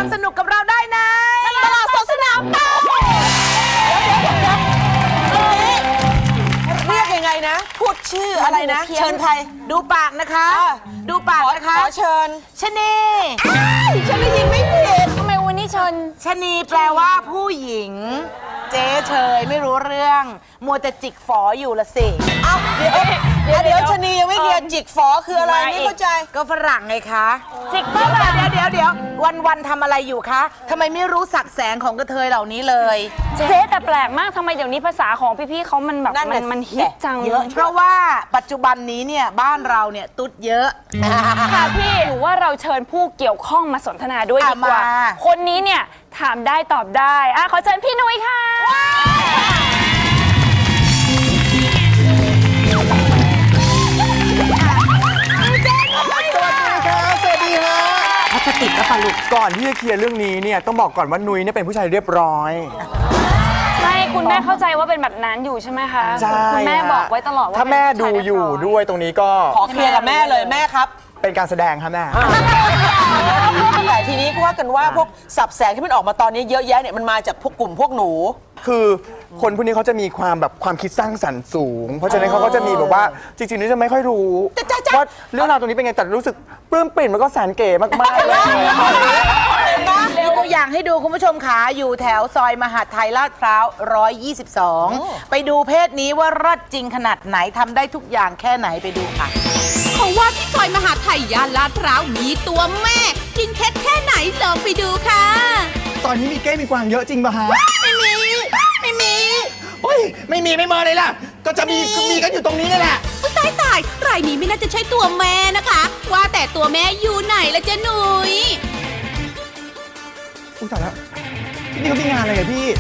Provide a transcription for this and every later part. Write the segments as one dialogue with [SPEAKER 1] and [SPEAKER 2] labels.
[SPEAKER 1] สนุกกับเราได้ในตลาดสดสนามเป้าเรียกยังไงนะพูดชื่ออะไรนะเชิญใครดูปากนะคะดูปากนะคะขอเชิญชนีฉันได้ยินไม่ผิดทำไมวันนี้เชิญชนีแปลว่าผู้หญิงเจ๊เฉยไม่รู้เรื่องมัวแต่จิกฝออยู่ละสิเดี๋ยวชนียังไม่เคลียร์จิกฝอคืออะไรไม่เข้าใจก็ฝรั่งไงคะจิกฝรั่งเดี๋ยววันทำอะไรอยู่คะทำไมไม่รู้สักแสงของกระเทยเหล่านี้เลย
[SPEAKER 2] เจ๊แต่แปลกมากทำไมเดี๋ยวนี้ภาษาของพี่ๆเขามันแบบมันฮิตจัง
[SPEAKER 1] เยอะเพราะว่าปัจจุบันนี้เนี่ยบ้านเราเนี่ยตุ๊ดเยอะ
[SPEAKER 2] ค่ะพี่หรือว่าเราเชิญผู้เกี่ยวข้องมาสนทนาด้วยดีกว่าคนนี้เนี่ยถามได้ตอบได้ขอเชิญพี่นุ้ยค่ะ
[SPEAKER 3] พลาสติกนะปะลูกก่อนที่จะเคลียร์เรื่องนี้เนี่ยต้องบอกก่อนว่านุ้ยเนี่ยเป็นผู้ชายเรียบร้อย
[SPEAKER 2] ใช่คุณแม่เข้าใจว่าเป็นแบบนั้นอยู่ใช่ไหมคะคุณแม่บอกไว้ตลอดว่า
[SPEAKER 3] ถ้าแม่ดูอยู่ด้วยตรงนี้ก็
[SPEAKER 1] ขอเคลียร์กับแม่เลยแม่ครับ
[SPEAKER 3] เป็นการแสดงครับแม่
[SPEAKER 1] แต่ทีนี้ก็ว่ากันว่าพวกสับแสงที่มันออกมาตอนนี้เยอะแยะเนี่ยมันมาจากพวกกลุ่มพวกหนู
[SPEAKER 3] คือคนพวกนี้เขาจะมีความแบบความคิดสร้างสรรค์สูงเพราะฉะนั้นเขาก็จะมีแบบว่าจริงๆนี่จะไม่ค่อยรู้ว่าเรื่องราวตรงนี้เป็นไงแต่รู้สึกปลื้มปริ่มแล้วก็แสนเก๋มากๆเลย
[SPEAKER 1] มีตัวอย่างให้ดูคุณผู้ชมขาอยู่แถวซอยมหาดไทยลาดพร้าว122ไปดูเพศนี้ว่ารอดจริงขนาดไหนทำได้ทุกอย่างแค่ไหนไปดูค่ะ
[SPEAKER 4] เขาว่าที่ซอยมหาดไทยย่านลาดพร้าวมีตัวแม่จริงเท็จแค่ไหนลองไปดูค่ะ
[SPEAKER 3] ตอนนี้มีเก้มีกวางเยอะจริงป่ะฮะ
[SPEAKER 4] ไม่มี
[SPEAKER 3] โอ้ยไม่มีไม่มาเลยล่ะก็จะมีกันอยู่ตรงนี้นี่แหละ
[SPEAKER 4] ตายรายนี้ไม่น่าจะใช่ตัวแม่นะคะว่าแต่ตัวแม่อยู่ไหนละจ๊ะหนุย
[SPEAKER 3] ตายแล้วที่นี่เขามีงานอะไรอะพี่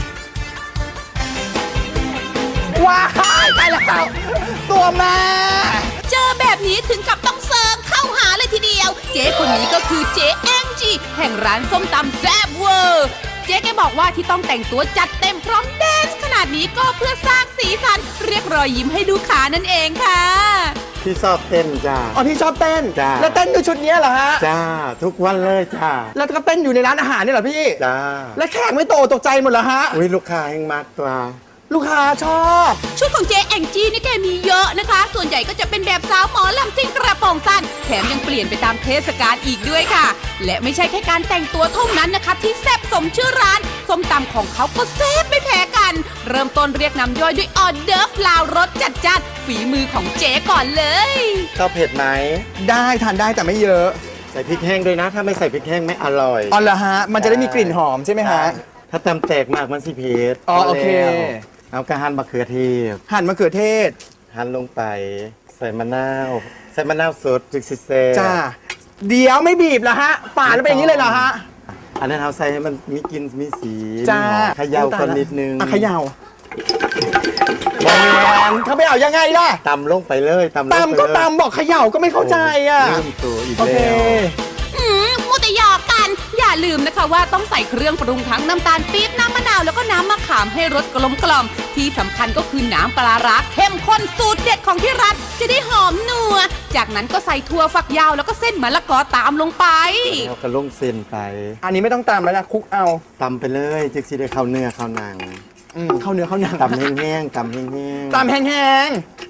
[SPEAKER 3] ว้ายตายแล้วตัวแม่
[SPEAKER 4] เจอแบบนี้ถึงกับต้องเซิร์ฟเข้าหาเลยทีเดียวเจ๊คนนี้ก็คือเจ๊แองจี้แห่งร้านส้มตำแซ่บเวอร์เจ๊แกบอกว่าที่ต้องแต่งตัวจัดเต็มพร้อมแดนซ์ขนาดนี้ก็เพื่อสร้างสีสันเรียกรอยยิ้มให้ลูกค้านั่นเองค่ะ
[SPEAKER 5] พี่ชอบเต้นจ้า
[SPEAKER 3] อ๋อพี่ชอบเต้น
[SPEAKER 5] จ้า
[SPEAKER 3] แล้วเต้นด้วยชุดนี้เหรอฮะ
[SPEAKER 5] จ้าทุกวันเลยจ้า
[SPEAKER 3] แล้วก็เต้นอยู่ในร้านอาหารนี่เหรอพี่
[SPEAKER 5] จ้า
[SPEAKER 3] แล้วแขกไม่ตกใจหมดเหรอฮะ
[SPEAKER 5] อุ้ยลูกค้าแห่งมากตัว
[SPEAKER 3] ลูกค้าชอบ
[SPEAKER 4] ชุดของเจ๊แองจี้นี่แกมีเยอะนะคะส่วนใหญ่ก็จะเป็นแบบสาวหมอลำซิ่งกระโปรงสั้นแถมยังเปลี่ยนไปตามเทศกาลอีกด้วยค่ะและไม่ใช่แค่การแต่งตัวเท่านั้นนะคะที่แซ่บสมชื่อร้านส้มตำของเขาก็แซ่บไม่แพ้กันเริ่มต้นเรียกน้ำย่อยด้วยออเดิร์ฟลาวรสจัดฝีมือของเจ๊ก่อนเลย
[SPEAKER 5] ชอบเผ็ดไหม
[SPEAKER 3] ได้ทานได้แต่ไม่เยอะ
[SPEAKER 5] ใส่พริกแห้งด้วยนะถ้าไม่ใส่พริกแห้งไม่อร่อย
[SPEAKER 3] อ๋อเหรอฮะมันจะได้มีกลิ่นหอมใช่ไหมฮะ
[SPEAKER 5] ถ้าตำแตกมากมันสิเผ็ด
[SPEAKER 3] อ๋อโอเค
[SPEAKER 5] เอากระหั่นมะเขือเทศ
[SPEAKER 3] หั่นมะเขือเทศ
[SPEAKER 5] หั่นลงไปใส่มะนาวสดจิกซิเซ่
[SPEAKER 3] จ้าเดี๋ยวไม่บีบเหรอฮะป่าแล้วเป็นอย่างนี้เลยเหรอฮะ
[SPEAKER 5] อันนั้นเอาใส่ให้มันมีกลิ่นมีสี
[SPEAKER 3] จ้า
[SPEAKER 5] เขย่าก่อนนิดนึง
[SPEAKER 3] เขย่าบางอย่างเขาไม่เอายังไงล่ะ
[SPEAKER 5] ตำลงไปเลย
[SPEAKER 3] ตำก็ตำบอกเขย่าก็ไม่เข้าใจอ่ะ
[SPEAKER 5] ลืมตัวอีกแล้ว
[SPEAKER 4] มูแต่หยอกกันอย่าลืมนะคะว่าต้องใส่เครื่องปรุงทั้งน้ำตาลปี๊บน้ำมะนาวแล้วก็น้ำมะขามให้รสกลมกล่อมที่สำคัญก็คือน้ำปลาร้าเข้มข้นสูตรเด็ดของที่ร้านจะได้หอมนัวจากนั้นก็ใส่ถั่วฝักยาวแล้วก็เส้นมะละกอตามลงไป
[SPEAKER 5] แล้วก็ลงเส้นไป
[SPEAKER 3] อันนี้ไม่ต้องตำแล้วนะคลุกเอา
[SPEAKER 5] ตำไปเลยจึกสิได้เข้าเนื้อเข้าหนัง
[SPEAKER 3] เข้าเนื้อเข้าหนัง
[SPEAKER 5] ตำแห้งๆตำแ
[SPEAKER 3] ห้ง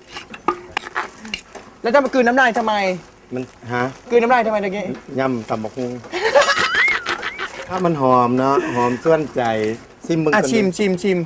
[SPEAKER 3] ๆแล้วจะมากลืนน้ำลายทำไม
[SPEAKER 5] มันฮะ
[SPEAKER 3] กลืนน้ำลายทำไมตะกี้
[SPEAKER 5] ยำตำบักหุ่งถ้ามันหอมเนาะหอมส่วนใจชิมมึง
[SPEAKER 3] ชิม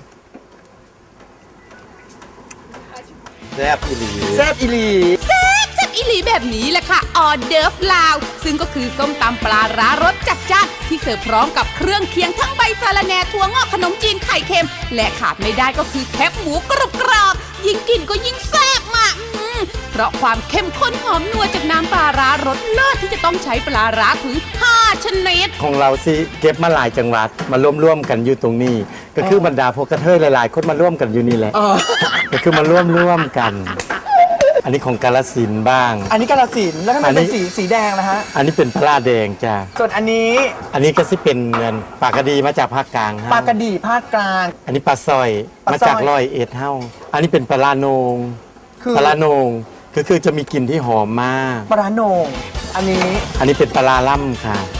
[SPEAKER 5] แซ่บอีหลี
[SPEAKER 3] แซ่บอีหลี
[SPEAKER 4] แบบนี้แหละค่ะออเดิร์ฟลาวซึ่งก็คือส้มตำปลาร้ารสจัดจ้านที่เสิร์ฟพร้อมกับเครื่องเคียงทั้งใบสะระแหน่ถั่วงอกขนมจีนไข่เค็มและขาดไม่ได้ก็คือแคบหมูกรอบยิ่งกินก็ยิ่งแซ่บมากเพราะความเข้มข้นหอมนัวจากน้ำปลาร้ารสเลิศที่จะต้องใช้ปลาร้าถึง5ชนิด
[SPEAKER 5] ของเราสิเก็บมาหลายจังหวัดมาร่วมกันอยู่ตรงนี้ก็คือบรรดาพวกกระเทยหลายๆคนมาร่วมกันอยู่นี่แหละก็คือมาร่วมกันอันนี้ของกาฬสินธุ์บ้าง
[SPEAKER 3] อันนี้กาฬสินธุ์แล้วทำไมเป็นสีแดงนะฮะ
[SPEAKER 5] อันนี้เป็นปลาแดงจ้า
[SPEAKER 3] ส่วนอันนี้
[SPEAKER 5] ก็สิเป็นเงินปลากระดีมาจากภาคกลาง
[SPEAKER 3] ปลากระดีภาคกลาง
[SPEAKER 5] อันนี้ปลาสร้อยมาจาก101เฮ้าอันนี้เป็นปลาโนงคือจะมีกลิ่นที่หอมมาก
[SPEAKER 3] ปลาโนงอันนี้
[SPEAKER 5] เป็นปลาล่ำค่ะ
[SPEAKER 4] ตัก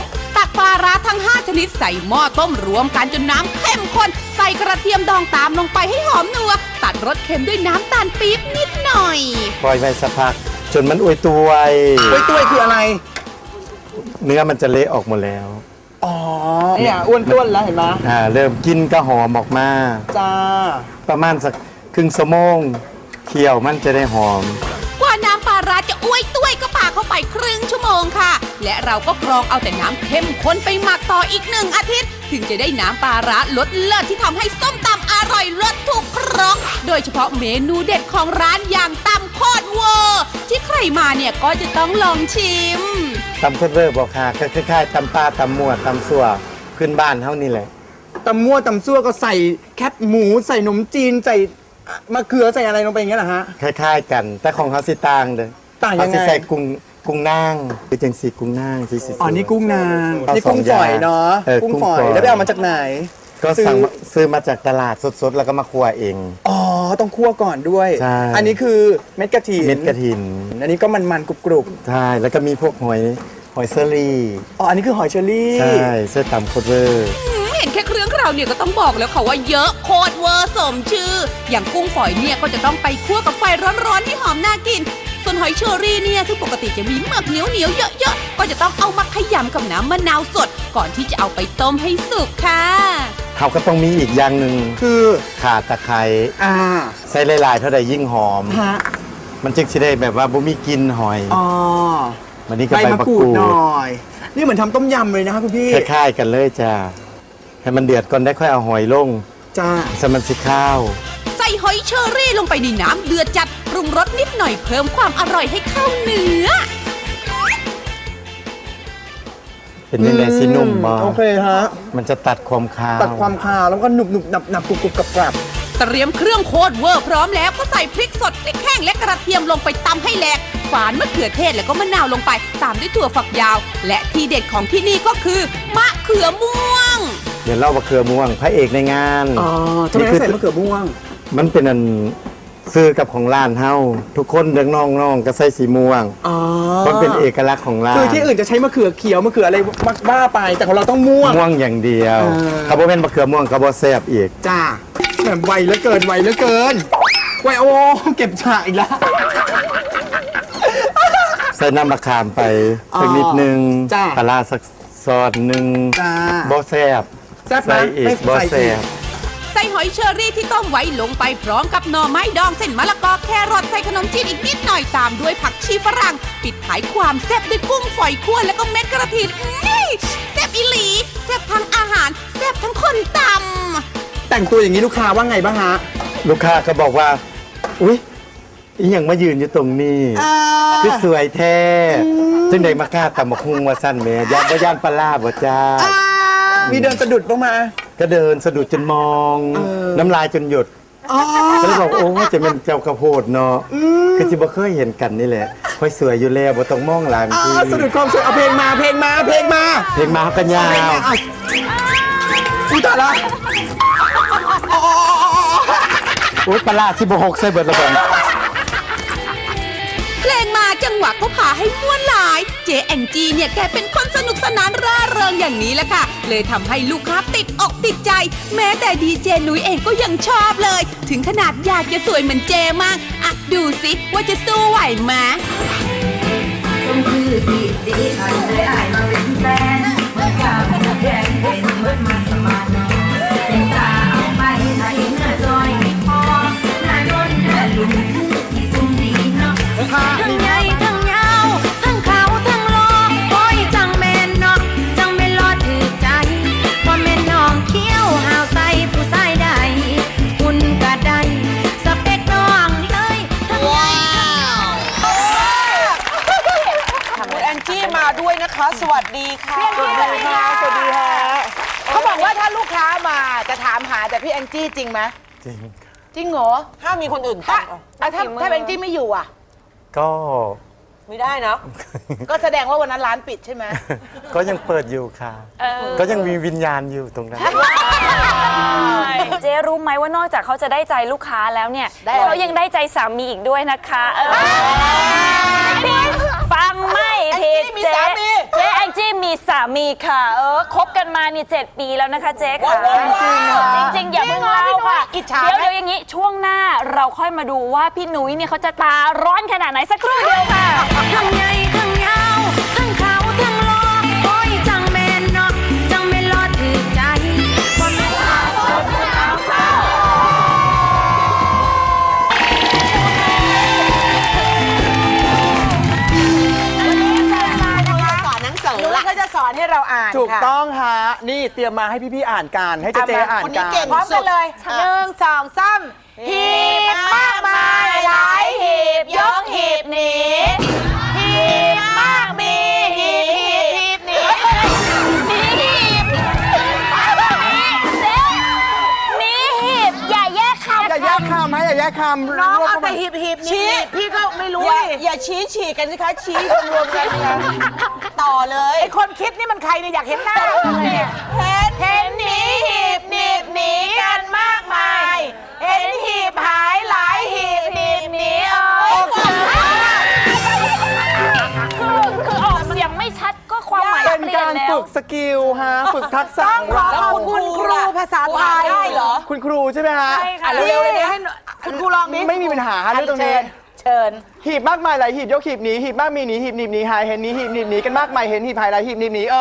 [SPEAKER 4] ปลาร้าทั้ง 5 ชนิดใส่หม้อต้มรวมกันจนน้ำเข้มข้นใส่กระเทียมดองตามลงไปให้หอมนัวตัดรสเค็มด้วยน้ำตาลปี๊บนิดหน่อย
[SPEAKER 5] ปล่อยไว้สักพักจนมันอวยตัว
[SPEAKER 3] กล้วยตุ้ยคืออะไร
[SPEAKER 5] เนื้อมันจะเละออกหมดแล้ว
[SPEAKER 3] อ๋อเนี่ยอ้วนต้วนแล้วเห็นไหม
[SPEAKER 5] เริ่มกินก็หอมออกมา
[SPEAKER 3] จ้า
[SPEAKER 5] ประมาณสักครึ่งชั่วโมงเคี่ยวมันจะได้หอม
[SPEAKER 4] กว่าน้ำปลาร้าจะอ้วยตุ้ยก็ปาเข้าไปครึ่งชั่วโมงค่ะ และเราก็กรองเอาแต่น้ำเข้มข้นไปหมักต่ออีก1 อาทิตย์ ถึงจะได้น้ำปลาร้ารสเลิศที่ทำให้ส้มตำอร่อยรสถูกครกโดยเฉพาะเมนูเด็ดของร้านอย่างตำโคตรเวอร์ที่ใครมาเนี่ยก็จะต้องลองชิม
[SPEAKER 5] ตำโคตรเวอร์บอกค่ะก็คล้ายๆตำปลาตำมั่วตำสั่วพื้นบ้านเท่านี้แหละ
[SPEAKER 3] ตำมั่วตำซั่วก็ใส่แคบหมูใส่ขนมจีนใส่มะเขือใส่อะไรลงไปอย่างเงี้ยเหรอฮะ
[SPEAKER 5] คล้ายๆกัน แต่ของเขาสิต่างเลย
[SPEAKER 3] ต่างยังไง
[SPEAKER 5] เขาสิใส่กุ้งนางคือจังสีกุ้งนางสีสี
[SPEAKER 3] อ๋อนี่กุ้งนาง
[SPEAKER 5] เอา
[SPEAKER 3] นี่กุ้ง
[SPEAKER 5] ส
[SPEAKER 3] ฝ
[SPEAKER 5] อ
[SPEAKER 3] อย
[SPEAKER 5] ย่าง
[SPEAKER 3] เนาะ กุ้งฝอย
[SPEAKER 5] กุ้งฝอย
[SPEAKER 3] แล้วไปเอามาจากไหน
[SPEAKER 5] ก็ซื้อมาจากตลาดสดๆ แล้วก็มาคั่วเอง
[SPEAKER 3] อ๋อต้องคั่วก่อนด้วย
[SPEAKER 5] ใช่
[SPEAKER 3] อันนี้คือเม็ดกระถิน
[SPEAKER 5] เม็ดกระถิน
[SPEAKER 3] อันนี้ก็มันๆกรุบ
[SPEAKER 5] ใช่แล้วก็มีพวกหอยเซอรี่
[SPEAKER 3] ๆอ๋ออันนี้คือหอยเชอรี่
[SPEAKER 5] ใช่เสื้อตำโคตรเวอร์
[SPEAKER 4] เห็นแค่เครื่องเคราวเนี่ยก็ต้องบอกแล้วค่ะว่าเยอะโคตรเวอร์สมชื่อ อย่างกุ้งฝอยเนี่ยก็จะต้องไปคั่วกับไฟร้อนๆให้หอมน่ากิน ส่วนหอยเชอรี่เนี่ยที่ปกติจะมีเมือกเหนียวๆเยอะๆก็จะต้องเอามาขยำกับน้ำมะนาวสด ก่อนที่จะเอาไปต้มให้สุกค่ะ
[SPEAKER 5] เขาก็ต้องมีอีกอย่างหนึ่ง
[SPEAKER 3] คือ
[SPEAKER 5] ข่าตะไคร้
[SPEAKER 3] อ่า
[SPEAKER 5] ใส่หลายๆเท่าใดยิ่งหอม
[SPEAKER 3] ฮะ
[SPEAKER 5] มันจึงจะได้แบบว่าบ่มีกลินหอย
[SPEAKER 3] อ๋อ
[SPEAKER 5] วันนี้ก็
[SPEAKER 3] ใบ
[SPEAKER 5] ใบ
[SPEAKER 3] มะ
[SPEAKER 5] มะ
[SPEAKER 3] กรู
[SPEAKER 5] ก
[SPEAKER 3] ด
[SPEAKER 5] รูด
[SPEAKER 3] หน่อย นี่เหมือนทำต้มยำเลยนะคะคุณพี่
[SPEAKER 5] คล้ายๆกันเลยจ้าให้มันเดือดก่อนได้ค่อยเอาหอยลง
[SPEAKER 3] จ้า
[SPEAKER 5] สมันสิข้าว
[SPEAKER 4] ใส่หอยเชอรี่ลงไปในน้ำเดือดจัดปรุงรสนิดหน่อยเพิ่มความอร่อยให้เข้าเนื้อ
[SPEAKER 5] เป็นยังไงสินุ่มบ่
[SPEAKER 3] โอเคฮะ
[SPEAKER 5] มันจะตัดความคาว
[SPEAKER 3] ตัดความคาวแล้วก็หนุบหนุบหนับหนับกรุบกรุบกรับกรับ
[SPEAKER 4] เตรียมเครื่องโคตรเวอร์พร้อมแล้วก็ใส่พริกสดพริกแห้งและกระเทียมลงไปตำให้แหลกฝานมะเขือเทศแล้วก็มะนาวลงไปตามด้วยถั่วฝักยาว และที่เด็ดของที่นี่ก็คือมะเขือม่วง
[SPEAKER 5] เดี๋ยวเล่ามะเขือม่วงพระเอกในงาน
[SPEAKER 3] อ๋อทำไมต้องใส่มะเขือม่วง
[SPEAKER 5] มันเป็นอันซื้อกับของร้านเฮาทุกคนเด็กน้องๆก็ใส่สีม่วง
[SPEAKER 3] อ๋อ
[SPEAKER 5] มันเป็นเอกลักษณ์ของร้าน
[SPEAKER 3] คือที่อื่นจะใช้มะเขือเขียวมะเขืออะไรบ้าไปแต่ของเราต้องม่วง
[SPEAKER 5] ม่วงอย่างเดียว
[SPEAKER 3] เออ
[SPEAKER 5] เขาบอกเป็นมะเขือม่วงเขาบอกแซ่บอีก
[SPEAKER 3] จ้าแบบไวเหลือเกินไวเหลือเกินไวโอ้เก็บฉากอีกแล้ว
[SPEAKER 5] ใส่น้ำมะขามไปสักนิดนึง
[SPEAKER 3] จ้ะ
[SPEAKER 5] ปลาร้าสักซอสหนึ่ง
[SPEAKER 3] จ้า
[SPEAKER 5] บอแซ่บ
[SPEAKER 3] แซ่บนะ
[SPEAKER 5] ใส่อีก
[SPEAKER 3] ไม่
[SPEAKER 5] บอ
[SPEAKER 3] ใส่
[SPEAKER 5] แซ่
[SPEAKER 3] อี
[SPEAKER 5] บ
[SPEAKER 3] ก
[SPEAKER 4] ใส่หอยเชอรี่ที่ต้มไว้ลงไปพร้อมกับหน่อไม้ดองเส้นมะละกอแครอทใส่ขนมจีนอีกนิดหน่อยตามด้วยผักชีฝรั่ง ปิดท้ายความแซ่บด้วยกุ้งฝอยคั่วแล้วก็เม็ดกระถินแซ่บอีหลีแซ่บทั้งอาหารแซ่บทั้งคนตำ
[SPEAKER 3] แต่งตัวอย่างนี้ลูกค้าว่าไงบ้างฮะ
[SPEAKER 5] ลูกค้าก็บอกว่า อุ๊ยอีหยังมายืนอยู่ตรงนี้คือสวยแท้จึงได้มากล้าตำมะคุงว่าสั้นแหม่ย่านบ่ย่านปลาร้าบ่จ้า
[SPEAKER 3] มีเดินสะดุดบ้างมา
[SPEAKER 5] ก็เดินสะดุดจนมอง น้ำลายจนหยุดก็เลยบอกโอ้จะเป็นเจ้ากระโพดเนาะคือจิบ่เคยเห็นกันนี่แหละค่อยสวยอยู่แล้วบ่ต้องมองหลัง
[SPEAKER 3] อ๋อ
[SPEAKER 5] คือ
[SPEAKER 3] สะดุดความสวยเอาเพลงมาเพลงมาเพลงมา
[SPEAKER 5] เพลงมากันยาว
[SPEAKER 3] อุ้ยตายละ
[SPEAKER 5] โอ๊ยปลาร้า16ใส่เบิดละบ่
[SPEAKER 4] เพลงมาจังหวะก็พาให้ม่วนหลาย เจแองจีเนี่ยแกเป็นคนสนุกสนานร่าเริงอย่างนี้แหละค่ะ เลยทำให้ลูกค้าติดอกติดใจ แม้แต่ดีเจนุ้ยเองก็ยังชอบเลย ถึงขนาดอยากจะสวยเหมือนเจมากอ่ะดูสิว่าจะสู้ไหวไหม
[SPEAKER 6] ต้องคือสิดีฉันเลยอายมาเป็นแฟนเมื่อกาวจะแข่งเป็นเมื่อมาสมัครเป็นตาเอาไปไหนเนื้อซอยไม่พอหน้าโดนหน้าลุงคือสิสุ่มดีเนาะทั้งใหญ่ทั้งยาวทั้งขาวทั้งหล่อโอ้ยจังแม่นเนาะจังแม่นรอถือใจพอแม่นน้องเขี้ยวหาวใส่ผู้ชายใดคุณก็ได้สเปคน้องเลยทั้งใหญ่ทั้ง
[SPEAKER 1] คุณแองจี้มาด้วยนะคะ สวัสดีค่ะ
[SPEAKER 2] สวัสดีค่ะ
[SPEAKER 3] สวัสดีฮะ
[SPEAKER 1] เขาบอกว่าถ้าลูกค้ามาจะถามหาแต่พี่แองจี้จริงไหม
[SPEAKER 5] จริง
[SPEAKER 1] จริงเหรอห้ามมีคนอื่นถ้าถ้าแองจี้ไม่อยู่อ่ะ
[SPEAKER 5] ก็
[SPEAKER 1] ไม่ได้เนาะ ก็แสดงว่าวันนั้นร้านปิดใช่ไหม
[SPEAKER 5] ก็ยังเปิดอยู่ค่ะ ก็ยังมีวิญญาณอยู่ตรงนั้น
[SPEAKER 2] เจ๊รู้ไหมว่านอกจากเขาจะได้ใจลูกค้าแล้วเนี่ย
[SPEAKER 1] ได้อะไร
[SPEAKER 2] เขายังได้ใจสามีอีกด้วยนะคะฟังไม่ผิด
[SPEAKER 1] แองจี้มีสามี
[SPEAKER 2] เจ๊แองจี้มีสามีค่ะคบกันมานี่7 ปีแล้วนะคะเจ๊ค่ะจริงๆอย่าเพิ่งเล่าค่ะเดี๋ยวอย่างนี้ช่วงหน้าเราค่อยมาดูว่าพี่นุ้ยเนี่ยเขาจะตาร้อนขนาดไหนสักครู่เดียวค่ะ
[SPEAKER 6] ทั้งใหญ่ทั้งยาวทั้งขาวทั้งหล่อโอ้ยจังแม่นเนาะจังแม่นรอถือใจความเป็นสาวสดสาวเฝ้า
[SPEAKER 1] สอนหนังสือแล้วก็จะสอนให้เราอ่าน
[SPEAKER 3] ถูก
[SPEAKER 1] ค่ะ
[SPEAKER 3] ต้องฮะนี่เตรียมมาให้พี่ๆอ่านกันให้เจ๊ๆอ่าน
[SPEAKER 1] คน
[SPEAKER 3] กั
[SPEAKER 1] นี้
[SPEAKER 3] น
[SPEAKER 1] เก่งพร้อมกันเลย1 2 3หีบมากมายหลายหีบยกหีบหนีหีบมากมีหีบหนี
[SPEAKER 2] มีหีบอย่าแยกคำ
[SPEAKER 3] อย่าแยกคำให้อย่าแยกคำ
[SPEAKER 1] น้อง
[SPEAKER 3] รวม
[SPEAKER 1] เอา
[SPEAKER 3] เข้า
[SPEAKER 1] แต่
[SPEAKER 3] มา
[SPEAKER 1] หีบชี้พี่ก็ไม่รู้อย่าชี้ฉีกกันสิคะชี้รวมกันต่อเลยไอคนคิดนี่มันใครเนี่ยอยากเห็นหน้าเห็นหนีหีบหนีบหนีกันมากมายเห็นหีบหายหลายหีบหนีบหนี
[SPEAKER 2] คือออกเสียงไม่ชัดก็ความหมาย
[SPEAKER 3] เป็น
[SPEAKER 2] เปลี่ย
[SPEAKER 3] กาน ร
[SPEAKER 2] แล้ว
[SPEAKER 3] ฝึกสกิลฮะฝึกทักษะ
[SPEAKER 1] ต้อง
[SPEAKER 3] ของ
[SPEAKER 1] ขอ
[SPEAKER 3] เรา
[SPEAKER 1] ขอบคุณครูภาษาไทยได้เหรอ
[SPEAKER 3] คุณครูใช่ไหมฮะ
[SPEAKER 2] ใช่ค่ะ
[SPEAKER 1] เร็วๆเลยให้คุณครูลองดิ
[SPEAKER 3] ไม่มีปัญหาฮะเรื่องตรงนี้
[SPEAKER 1] เชิญ
[SPEAKER 3] หีบมากมายหลายหีบยกหีบหนีหีบมากมีหนีหีบหนีบหนีหายเห็นหนีหีบหนีบหนีกันมากมายเห็นหีบหายหลายหีบหนีบหนี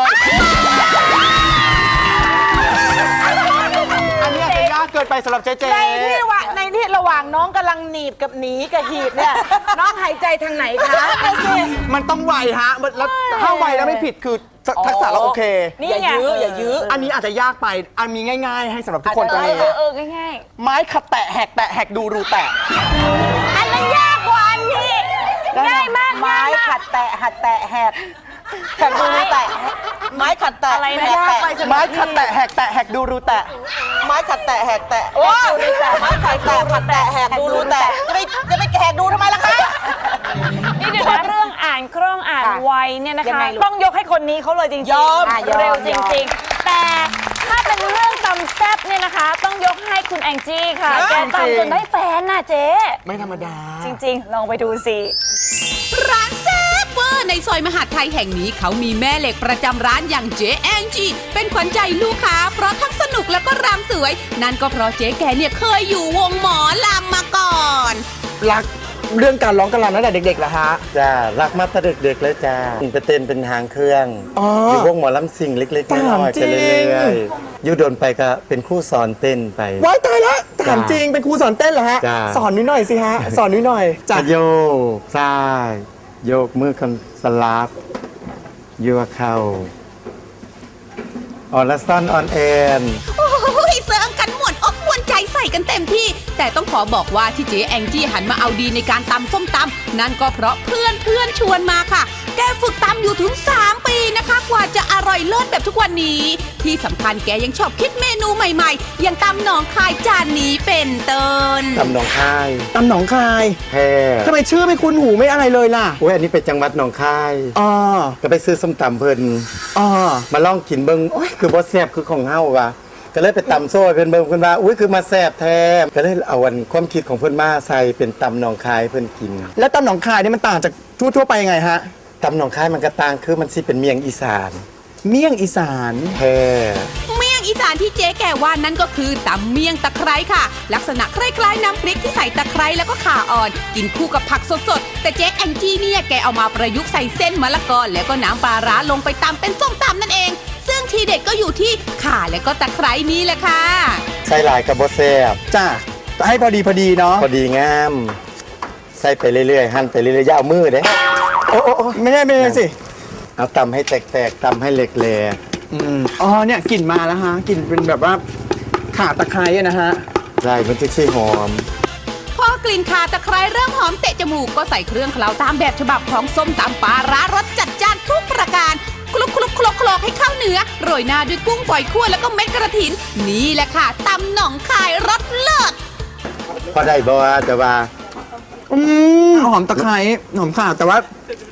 [SPEAKER 3] อันนี้อาจจะยากเกินไปสำหรับเจ๊
[SPEAKER 1] ในที่ระหว่างน้องกำลังหนีบกับหนีกับหีบเนี่ยน้องหายใจทางไหนคะ
[SPEAKER 3] มันต้องไวฮะแล้วถ้าไวแล้วไม่ผิดคือทักษะเราโอเค
[SPEAKER 2] นี่ไง
[SPEAKER 1] อย่ายื้อ
[SPEAKER 3] อันนี้อาจจะยากไปอันมีง่ายๆ ให้สำหรับทุกคนตรงนี้
[SPEAKER 2] ง่าย
[SPEAKER 3] ไม้ขัดแตะแหกดูรูแตะ
[SPEAKER 2] ๆอันนั้นยากกว่าอันนี้ง่ายมาก
[SPEAKER 1] ไม้ขัดแตะหัดแตะแหกแหกดูรูแตะไม้ขัดแตะ
[SPEAKER 2] อะไรนะ
[SPEAKER 1] แหกแตะ
[SPEAKER 3] ไม้ขัดแตะแหกดูรูแตะ
[SPEAKER 1] ไม้ขัดแตะแหกแตะโอ้ไม้ขัดแตะขัดแตะแหกดูรูแตะจะไปแหกดูทำไมล่ะคะ
[SPEAKER 2] นี่เดี๋ยวนะเรื่องอ่านคล่องอ่านไวเนี่ยนะ
[SPEAKER 1] ยัง
[SPEAKER 2] คะ
[SPEAKER 1] ไงลูก
[SPEAKER 2] ต้องยกให้คนนี้เขาเลยจริง
[SPEAKER 1] ยอม
[SPEAKER 2] เร็วจริงๆ แต่ถ้าเป็นเรื่องตำแซ่บเนี่ยนะคะ ต้องยกให้คุณแองจี้ค่ะ แกตำจนได้แฟนน่ะเจ๊
[SPEAKER 3] ไม่ธรรมดา
[SPEAKER 2] จริงๆ ลองไปดูสิ
[SPEAKER 4] ร้านแซ่บเวอร์ในซอยมหาดไทยแห่งนี้เขามีแม่เหล็กประจำร้านอย่างเจ๊แองจีเป็นขวัญใจลูกค้าเพราะทั้งสนุกแล้วก็รำสวย นั่นก็เพราะเจ๊แกเนี่ยเคยอยู่วงหมอลำมาก่อน
[SPEAKER 3] รักเรื่องการร้องการรำตั้งแต่เด็กๆเหรอฮะ
[SPEAKER 5] จ้ารักมาตั้งแต่เด็กๆเลยจ้าไปเต้นเป็นหางเครื่อง
[SPEAKER 3] อ๋ออ
[SPEAKER 5] อยู่วงหมอลำสิ่งเล็กๆน้อยๆไปเรื่อยๆอยู่โดนไปก็เป็นครู่สอนเต้นไป
[SPEAKER 3] ว้ายตายแล้วถามจริงเป็นครูสอนเต้นเหรอฮะ
[SPEAKER 5] จ้า
[SPEAKER 3] สอนนิดหน่อยสิฮะ สอนนิดหน่อยจ้ะ
[SPEAKER 5] โยกซ้ายโยกมือกันสลับยัวเข่าออนละซ่อนออนแอน
[SPEAKER 4] โอ้ยเสริมกันม่วนอกม่วนใจใส่กันเต็มที่ แต่ต้องขอบอกว่าที่เจ๊แองจี้หันมาเอาดีในการตำส้มตำนั่นก็เพราะเพื่อนชวนมาค่ะ แกฝึกตำอยู่ถึง 3 ปีนะคะ กว่าจะอร่อยเลิศแบบทุกวันนี้ ที่สำคัญแกยังชอบคิดเมนูใหม่ๆ อย่างตำหนองคายจานนี้เป็นต้น
[SPEAKER 5] ตำหนองคาย
[SPEAKER 3] ตำหนองคาย
[SPEAKER 5] แพร่
[SPEAKER 3] ทำไมชื่อไม่คุ้นหูไม่อะไรเลยล่ะ
[SPEAKER 5] โอ้ยอันนี้เป็นจังหวัดหนองคาย
[SPEAKER 3] อ๋อ
[SPEAKER 5] ก็ไปซื้อส้มตำเพิ่น
[SPEAKER 3] อ๋อ
[SPEAKER 5] มาลองกินเบิ่งโอ้ยคือบ่แซ่บคือของเฮาว่ะก็เลยไปตำโซ่ให้เพิ่นเบิ่งเพิ่นว่าอุ้ยคือมาแซ่บแท้ก็เลยเอาอันความคิดของเพิ่นมาใส่เป็นตำหนองคายให้เพิ่นกิน
[SPEAKER 3] แล้วตำหนองคายนี่มันต่างจากทั่วๆไปยังไงฮะ
[SPEAKER 5] ตำหนองคายมันก็ต่างคือมันสิเป็นเมียงอีสาน
[SPEAKER 3] เมี่ยงอีสาน
[SPEAKER 5] แพร่
[SPEAKER 4] เมี่ยงอีสานที่เจ๊แกว่านั่นก็คือตำเมี่ยงตะไคร้ค่ะ ลักษณะคล้ายๆน้ำพริกที่ใส่ตะไคร้แล้วก็ข่าอ่อน กินคู่กับผักสดๆ แต่เจ๊แองจี้เนี่ยแกเอามาประยุกต์ใส่เส้นมะละกอแล้วก็น้ำปลาร้าลงไปตำเป็นส้มตำนั่นเอง ซึ่งทีเด็ดก็อยู่ที่ข่าและก็ตะไคร้นี้แหละค่ะ
[SPEAKER 5] ใส่หลายก็บ่แซ่บ
[SPEAKER 3] จ้ะให้พอดีเนาะ
[SPEAKER 5] พอดีงามใส่ไปเรื่อยๆหั่นไปเรื่อยๆอย่าเอามือเด้
[SPEAKER 3] โอ้ไม่ได้สิ
[SPEAKER 5] เอาตำให้แตกๆตำให้เหล็กแหลก
[SPEAKER 3] อ๋อเนี่ยกลิ่นมาแล้วฮะกลิ่นเป็นแบบว่าข่าตะไคร้อะนะฮะ
[SPEAKER 5] ใช่มันจะช่วยหอม
[SPEAKER 4] พอกลิ่นข่าตะไคร้เริ่มหอมเตะจมูกก็ใส่เครื่องเคล้าตามแบบฉบับของส้มตำปลาร้ารสจัดจ้านทุกประการคลุกให้เข้าเนื้อโรยหน้าด้วยกุ้งฝอยคั่วแล้วก็เม็ดกระถิน นี่แหละค่ะตำหนองคายรสเลิศ
[SPEAKER 5] พอได้บ่ว่าแต่ว่า
[SPEAKER 3] หอมตะไคร้หอมข่าแต่ว่า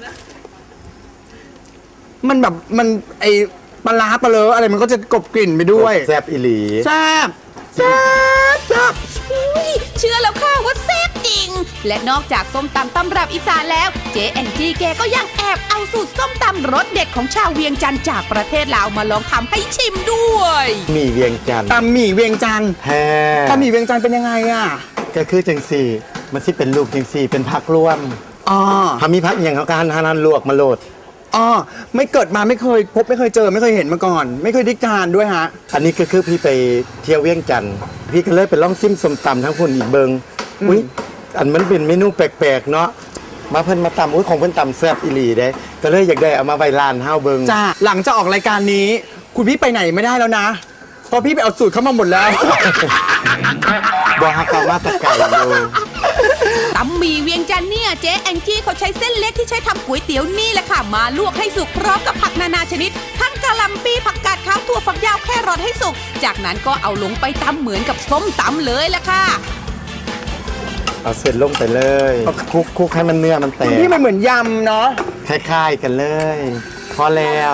[SPEAKER 3] มันแบบมันไอปลาร้าปลาเลออะไรมันก็จะกลบกลิ่นไปด้วย
[SPEAKER 5] แซ่บอีหลี
[SPEAKER 3] แซ่บ
[SPEAKER 4] อุ๊ยเชื่อแล้วค่ะว่าแซ่บริงๆและนอกจากส้มตำตำรับอีสานแล้วเจ๊แองจี้แกก็ยังแอบเอาสูตรส้มตำรสเด็ดของชาวเวียงจันทร์จากประเทศลาวมาลองทำให้ชิมด้วย
[SPEAKER 5] มีเวียงจันทร์
[SPEAKER 3] ตำหมี่เวียงจันทร์
[SPEAKER 5] แท้
[SPEAKER 3] ตำหมี่เวียงจันทร์เป็นยังไงอ่ะ
[SPEAKER 5] ก็คือจังสี่มันสิเป็นลูกจังสี่เป็นพักร่วม
[SPEAKER 3] อ๋อ
[SPEAKER 5] ทำมีพักอย่างเขาการทานลวกมาโหลด
[SPEAKER 3] อ๋อไม่เกิดมาไม่เคยพบไม่เคยเจอไม่เคยเห็นมาก่อน ไม่เคยได้ทานด้วยฮะ
[SPEAKER 5] อันนี้ก็คือพี่ไปเที่ยวเวียงจันทร์พี่ก็เลยไปลองซิมส้มตำทั้งคนอีกเบิงอุ้ยอันมันเป็นเมนูแปลกๆเนาะมาเพิ่นมาตำอุ้ยของเพิ่นตำแซ่บอีหลีได้ก็เลยอยากได้เอามาไว้ร้านเฮาเบิง
[SPEAKER 3] จ้าหลังจากออกรายการนี้ คุณพี่ไปไหนไม่ได้แล้วนะ เพราะพี่ไปเอาสูตรเข้ามาหมดแล้ว
[SPEAKER 5] บอกฮักเขามาแตะไก่อยู่
[SPEAKER 4] ตำหมี่เวียงจันทร์เนี่ยเจ๊แองจี้เขาใช้เส้นเล็กที่ใช้ทำก๋วยเตี๋ยวนี่แหละค่ะมาลวกให้สุกพร้อมกับผักนานาชนิด ทั้งกะหล่ำปีผักกาดขาวถั่วฝักยาวแครอทให้สุกจากนั้นก็เอาลงไปตำเหมือนกับส้มตำเลยแหละค่ะ
[SPEAKER 5] เอาเสร็จลงไปเลยคลุกให้มันเนื้อมันแต
[SPEAKER 3] คุณ
[SPEAKER 5] ก
[SPEAKER 3] พี่มันเหมือนยำเนาะ
[SPEAKER 5] คล้ายๆกันเลย พอแล้ว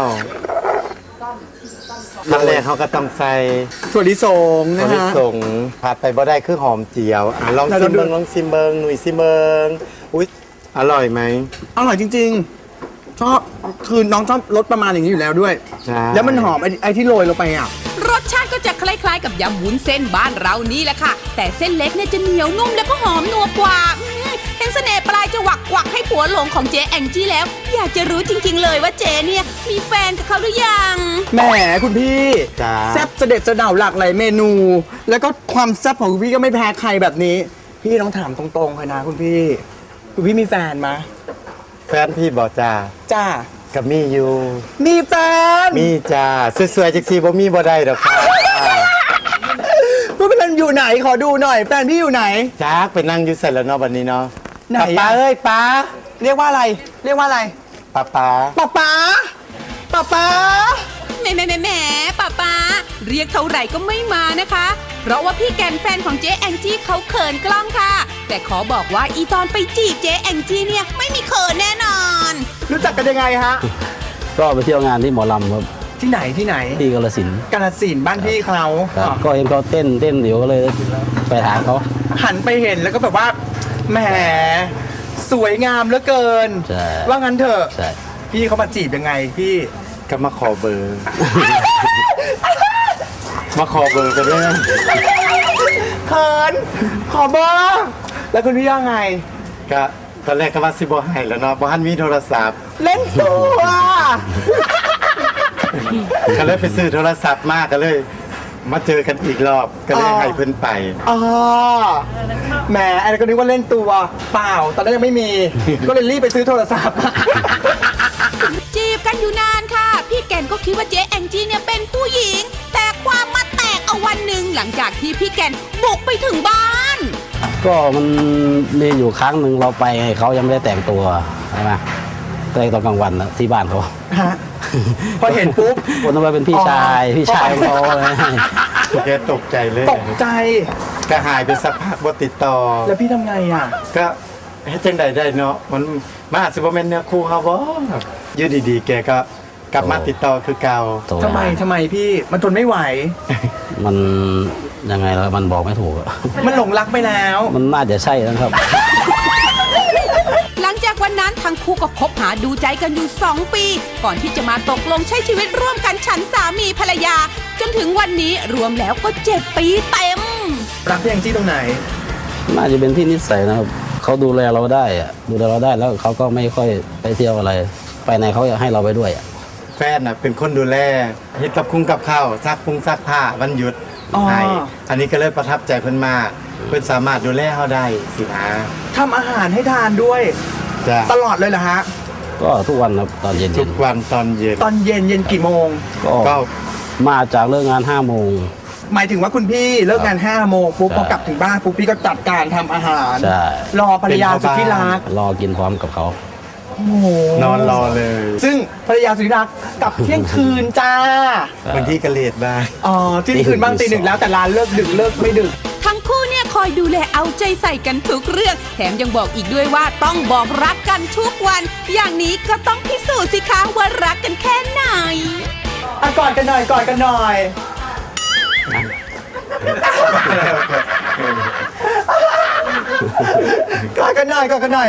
[SPEAKER 5] ขั้นแรกเขาก็ต้องใส่
[SPEAKER 3] ถั่วลิสง
[SPEAKER 5] ถั่
[SPEAKER 3] นะ
[SPEAKER 5] วลิ
[SPEAKER 3] ฮะ
[SPEAKER 5] สงผัดไปบ่ได้คือหอมเจียวอ่ะลอง
[SPEAKER 3] ไหน
[SPEAKER 5] ซิม
[SPEAKER 3] เราดู
[SPEAKER 5] เบิงลองซิมเบิงหนุ่ยซิมเบิงอุ๊ยอร่อยไหม
[SPEAKER 3] อร่อยจริงๆ ชอบคือน้องชอบรสประมาณอย่างนี้อยู่แล้วด้วย
[SPEAKER 5] ใช่
[SPEAKER 3] แล้วมันหอมไอ้ที่โรยลงไปอ่ะ
[SPEAKER 4] รสชาติก็จะคล้ายๆกับยำวุ้นเส้นบ้านเรานี่แหละค่ะ แต่เส้นเล็กเนี่ยจะเหนียวนุ่มแล้วก็หอมนัวกว่าเห็นเสน่ห์ปลายจะหวักกวักให้ผัวหลงของเจ๊แองจี้แล้ว อยากจะรู้จริงๆเลยว่าเจ๊เนี่ยมีแฟนกับเขาหรือยัง
[SPEAKER 3] แหมคุณพี่
[SPEAKER 5] จ้า
[SPEAKER 3] แซ่บเสด็จเสด่าหลากหลายเมนู แล้วก็ความแซ่บของคุณพี่ก็ไม่แพ้ใครแบบนี้ พี่ต้องถามตรงๆเลยนะคุณพี่ คุณพี่มีแฟนมะ
[SPEAKER 5] แฟนพี่บอกจ้า
[SPEAKER 3] จ้า
[SPEAKER 5] กับมีอยู่
[SPEAKER 3] มีแฟน
[SPEAKER 5] มีจ้าสวยๆจักสีบ่มีบ่ได้ดอกค่ะ
[SPEAKER 3] พูดเป็นอยู่ไหนขอดูหน่อย แฟนพี่อยู่ไหน
[SPEAKER 5] จ้าไปนั่งอยู่เสร็จแล้วเนาะวันนี้เนาะ
[SPEAKER 3] ไหนอะ
[SPEAKER 5] ป้าเอ้ยป้า
[SPEAKER 3] เรียกว่าอะไร เรียกว่าอะไร
[SPEAKER 5] ป้า
[SPEAKER 3] ป๊าป๊าป๊าป๊า
[SPEAKER 4] แหมป้าป้าเรียกเท่าไหร่ก็ไม่มานะคะ เพราะว่าพี่แกนแฟนของเจ๊แองจี้เขาเขินกล้องค่ะ แต่ขอบอกว่าอีตอนไปจีบเจ๊แองจี้เนี่ยไม่มีเขินแน่นอน
[SPEAKER 3] รู้จักกันยังไงฮะ
[SPEAKER 7] ก็ไปเที่ยวงานที่หมอลำครับ
[SPEAKER 3] ที่ไหนที่ไหน
[SPEAKER 7] ที่กาฬสินธุ์
[SPEAKER 3] กาฬสินธุ์บ้านพี่เขา
[SPEAKER 7] ครับก็เห็นเขาเต้นเดี๋ยวก็เลยไปหาเขา
[SPEAKER 3] หันไปเห็นแล้วก็แบบว่าแหมสวยงามเหลือเกิน
[SPEAKER 7] ใช่
[SPEAKER 3] ว่างั้นเถอะ
[SPEAKER 7] ใช่
[SPEAKER 3] พี่เขามาจีบยังไงพี่
[SPEAKER 5] ก็มาขอเบอร์ มาขอเบอร์กันเลย
[SPEAKER 3] เขินขอเบอร์แล้วคุณพี่ว่าไง
[SPEAKER 5] ก็ตอนแรกก็ว่าสิบ่ให้แล้วเนาะบ่ทันมีโทรศัพท์
[SPEAKER 3] เล่นตัว
[SPEAKER 5] ก็เลยไปซื้อโทรศัพท์มาก็เลย มาเจอกันอีกรอบก็เลยให้เพิ่นไป
[SPEAKER 3] อ๋อแหมไอ้ก็นึกว่าเล่นตัวเปล่าตอนนั้นยังไม่มี ก็เลยรีบไปซื้อโทรศัพท์
[SPEAKER 4] จีบกันอยู่นานค่ะ พี่แกนก็คิดว่าเจ๊แองจี้เนี่ยเป็นผู้หญิง แต่ความมาแตกเอาวันหนึ่งหลังจากที่พี่แกนบุกไปถึงบ้าน
[SPEAKER 7] ก็มันมีอยู่ครั้งหนึ่งเราไปเขายังไม่ได้แต่งตัวใช่ไหมแต่งตอนกลางวันนะที่บ้านเขา
[SPEAKER 3] ฮะพอเห็นปุ๊บ
[SPEAKER 7] คนนั้นเป็นพี่ชายพี่ชายของเขาเลย
[SPEAKER 5] แกตกใจเลย
[SPEAKER 3] ตกใจ
[SPEAKER 5] ก็หายไปสักพักบ่ติดต่อ
[SPEAKER 3] แล้วพี่ทำไงอ่ะ
[SPEAKER 5] ก็เฮ็ดจังใดได้เนาะมันมาอาจสิบ่แม่นเนื้อคู่เฮาบ่อยู่ดีๆแกก็กลับมาติดต่อคือเก่า
[SPEAKER 7] โต
[SPEAKER 3] ทำไมพี่มันทนไม่ไหว
[SPEAKER 7] มันยังไงแล้วมันบอกไม่ถูกอะ
[SPEAKER 3] มันหลงรักไปแล้ว
[SPEAKER 7] มันน่าจะใช่นะครับ
[SPEAKER 4] หลังจากวันนั้นทั้งคู่ก็คบหาดูใจกันอยู่ 2 ปี ก่อนที่จะมาตกลงใช้ชีวิตร่วมกันฉันสามีภรรยา จนถึงวันนี้รวมแล้วก็ 7 ปีเต็ม
[SPEAKER 3] รักพี่แองจี้ตรงไหน
[SPEAKER 7] น่าจะเป็นที่นิสัยนะครับเขาดูแลเราได้อะดูแลเราได้แล้วเขาก็ไม่ค่อยไปเที่ยวอะไร ไปไหนเขาอยากให้เราไปด้วยอะ
[SPEAKER 5] แฟนน่ะเป็นคนดูแลเฮ็ดกับคุ้งกับข้าวซักพุงซักผ้าวันหยุด
[SPEAKER 3] อ๋อ
[SPEAKER 5] ให้อันนี้ก็เลยประทับใจเพิ่นมากเพิ่นสามารถดูแลเฮาได้สินะ
[SPEAKER 3] ทำอาหารให้ทานด้วย
[SPEAKER 5] จ้ะ
[SPEAKER 3] ตลอดเลยเหรอฮะ
[SPEAKER 7] ก็ทุกวันครับตอนเย็น
[SPEAKER 5] ทุกวันตอนเย็น
[SPEAKER 3] ตอนเย็นกี่โมง
[SPEAKER 7] ก็
[SPEAKER 5] ก็
[SPEAKER 7] มาจากเลิกงาน5 โมง
[SPEAKER 3] หมายถึงว่าคุณพี่เลิกงาน5 โมงปุ๊บ
[SPEAKER 7] ใช่
[SPEAKER 3] พอกลับถึงบ้านปุ๊บพี่ก็จัดการทำอาหาร
[SPEAKER 7] ใช่
[SPEAKER 3] รอภรรยาสุดที่รัก
[SPEAKER 7] รอกินพร้อมกับเขา
[SPEAKER 3] โอ้โห
[SPEAKER 5] นอนรอเลย
[SPEAKER 3] ซึ่งภรรยาสุดที่รักกลับเที่ยงคืนจ้า
[SPEAKER 5] บางทีก็เลทบ้าง
[SPEAKER 3] อ๋อเที่ยงคืนบ้างตี 1แล้วแต่ร้านเลิกดึกเลิกไม่ดึก
[SPEAKER 4] ทั้งคู่เนี่ยคอยดูแลเอาใจใส่กันทุกเรื่อง แถมยังบอกอีกด้วยว่าต้องบอกรักกันทุกวัน อย่างนี้ก็ต้องพิสูจน์สิคะว่ารักกันแค่ไหน
[SPEAKER 3] อ่ะกอดกันหน่อยกอดกันหน่อย
[SPEAKER 5] เ
[SPEAKER 3] กอดกันหน่อยกอดกันหน่อย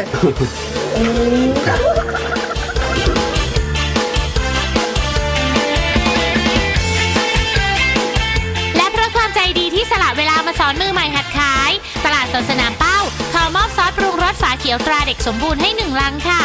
[SPEAKER 8] และเพราะความใจดีที่สละเวลามาสอนมือใหม่หัดขาย ตลาดสดสนามเป้าขอมอบซอสปรุงรสฝาเขียวตราเด็กสมบูรณ์ให้1 ลังค่ะ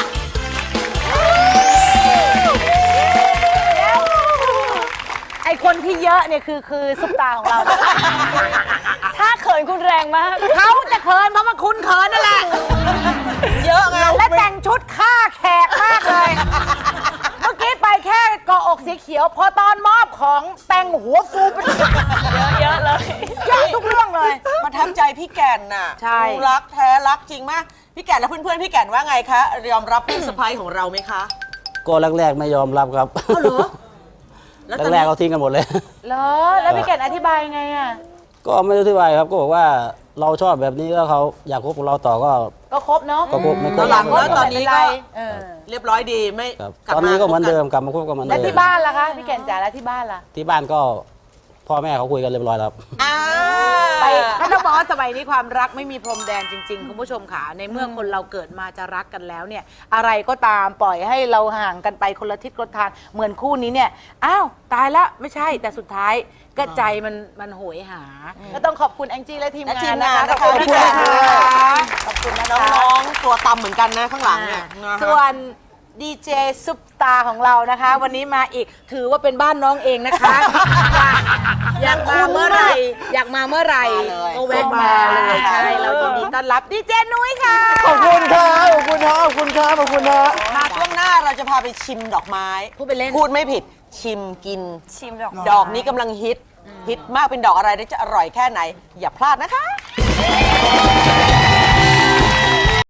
[SPEAKER 2] ไอคนที่เยอะเนี่ยคือซุปตาของเรา ถ้าเขินคุณแรงมาก
[SPEAKER 1] เขาจะเขินเพราะว่าคุณเขินนั่นแหละ เยอะไง และแต่งชุดฆ่าแขกมากเลย เมื่อกี้ไปแค่เกาะอกสีเขียว พอตอนมอบของแต่งหัวฟูเป็น
[SPEAKER 2] เยอะเลย
[SPEAKER 1] เยอะทุกเรื่องเลย
[SPEAKER 9] ประทับใจพี่แก่นน่ะ
[SPEAKER 1] ใช่
[SPEAKER 9] รักแท้รักจริงมากพี่แก่นและเพื่อนๆพี่แก่นว่าไงคะยอมรับพี่สะพ้ายของเราไหมคะ
[SPEAKER 7] ก็แรกๆไม่ยอมรับครับ แรกๆเขาทิ้งกันหมดเลย
[SPEAKER 2] เหรอ แล้วพี่แก่นอธิบายไงอ่ะ
[SPEAKER 7] ก็ไม่รู้ที่วายครับก็บอกว่าเราชอบแบบนี้แล้วเขาอยากคบกับเราต่อก็
[SPEAKER 2] ก็ครบเนาะ
[SPEAKER 7] ก็คบไม่ค
[SPEAKER 9] ต
[SPEAKER 7] บ
[SPEAKER 9] อนหลัง
[SPEAKER 7] ค
[SPEAKER 9] แล้
[SPEAKER 7] รับ
[SPEAKER 9] วตอนนี้ก็
[SPEAKER 2] เออ
[SPEAKER 9] เรียบร้อยดีไม่
[SPEAKER 7] ครับ
[SPEAKER 9] กลับ
[SPEAKER 7] ตอนนี้ก็เหมือนเดิม
[SPEAKER 9] คบ
[SPEAKER 7] กลับมาคบกันเหมือน
[SPEAKER 2] แล้ว
[SPEAKER 7] เดิม
[SPEAKER 2] ที่บ้านล่ะคะ พี่แก่นจ๋าแล้วที่บ้านล่ะ
[SPEAKER 7] ที่บ้านก็พ่อแม่เขาคุยกันเรียบร้อยแล้วครับ
[SPEAKER 9] อ่า
[SPEAKER 1] ไปก็ต้องบอกว่าสมัยนี้ความรักไม่มีพรมแดนจริง ๆ คุณผู้ชมค่ะในเมื่อคนเราเกิดมาจะรักกันแล้วเนี่ย อะไรก็ตามปล่อยให้เราห่างกันไปคนละทิศคนละทางเหมือนคู่นี้เนี่ยอ้าวตายแล้วไม่ใช่แต่สุดท้ายก็ใจมันโหยหา ก็ต้องขอบคุณแองจี้และทีม
[SPEAKER 9] และ
[SPEAKER 1] งา
[SPEAKER 9] ที
[SPEAKER 1] น
[SPEAKER 9] ม
[SPEAKER 1] นะ
[SPEAKER 9] งาน
[SPEAKER 1] คะ
[SPEAKER 9] นะคะ
[SPEAKER 1] ขอบคุณ
[SPEAKER 9] พี่แก่น
[SPEAKER 1] ค่ะ
[SPEAKER 9] นะคะ
[SPEAKER 1] ขอบคุณนะคะ
[SPEAKER 9] น้องๆตัวตำเหมือนกันนะข้างหลังเนี่ยนะคะ
[SPEAKER 1] ส่วนดีเจซุปตาของเรานะคะ วันนี้มาอีกถือว่าเป็นบ้านน้องเองนะคะ อยากมาเมื่อไหร่อยากมาเมื่อไหร่
[SPEAKER 9] มาเลย
[SPEAKER 1] ก็แวะมาเลยใช่เรายินดีต้อนรับดีเจนุ้ยค่ะ
[SPEAKER 3] ขอบคุณครับขอบคุณครับขอบคุณครับขอบคุณครับ
[SPEAKER 9] มาช่วงหน้าเราจะพาไปชิมดอกไม้
[SPEAKER 1] พูดไปเล่น
[SPEAKER 9] พูดไม่ผิดชิมกิน
[SPEAKER 2] ชิมดอก
[SPEAKER 9] ดอกนี้กำลังฮิตมากเป็นดอกอะไรและจะอร่อยแค่ไหน อย่าพลาดนะคะ